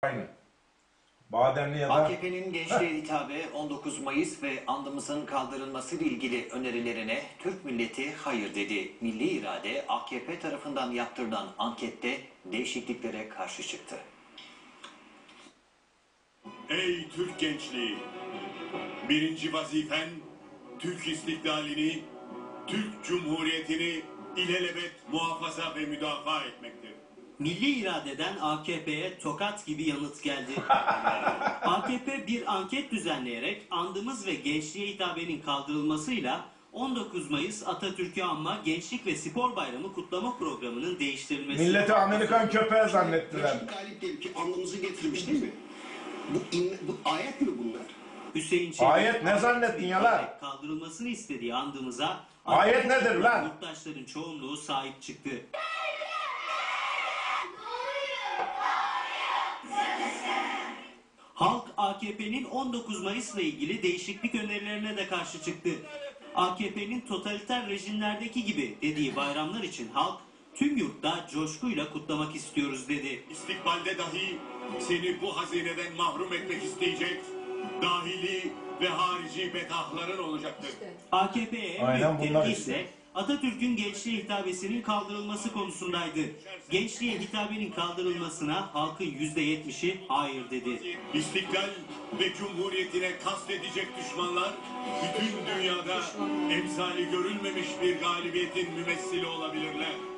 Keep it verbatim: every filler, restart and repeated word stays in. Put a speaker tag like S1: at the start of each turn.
S1: Aynı. Bademli ya da...
S2: A K P'nin gençliğe hitabe on dokuz Mayıs ve andımızın kaldırılması ile ilgili önerilerine Türk milleti hayır dedi. Milli İrade A K P tarafından yaptırılan ankette değişikliklere karşı çıktı.
S3: Ey Türk gençliği! Birinci vazifen Türk istiklalini, Türk Cumhuriyeti'ni ilelebet muhafaza ve müdafaa etmektir.
S4: Milli iradeden A K P'ye tokat gibi yanıt geldi. A K P bir anket düzenleyerek andımız ve gençliğe hitabenin kaldırılmasıyla on dokuz Mayıs Atatürk'ü anma Gençlik ve Spor Bayramı kutlama programının değiştirilmesi.
S1: Milleti Amerikan köpeği zannettiler.
S5: Reşit Galip diye ki andımızı getirmiş değil mi? Bu, in, bu ayet mi bunlar?
S4: Hüseyin Çelik,
S1: Ayet ne zannettin ya lan?
S4: Kaldırılmasını istediği andımıza
S1: Ayet nedir lan?
S4: Yurttaşların çoğunluğu sahip çıktı. Halk A K P'nin on dokuz Mayıs'la ilgili değişiklik önerilerine de karşı çıktı. A K P'nin totaliter rejimlerdeki gibi dediği bayramlar için halk tüm yurtta coşkuyla kutlamak istiyoruz dedi.
S3: İstikbalde dahi seni bu hazineden mahrum etmek isteyecek dahili ve harici betahların olacaktır.
S4: A K P'ye en
S1: Aynen
S4: büyük
S1: bunlar
S4: tepki
S1: işte.
S4: ise Atatürk'ün gençliğe hitabesinin kaldırılması konusundaydı. Gençliğe hitabenin kaldırılmasına halkın yüzde yetmişi hayır dedi.
S3: İstiklal ve Cumhuriyetine kastedecek düşmanlar bütün dünyada emsali görülmemiş bir galibiyetin mümessili olabilirler.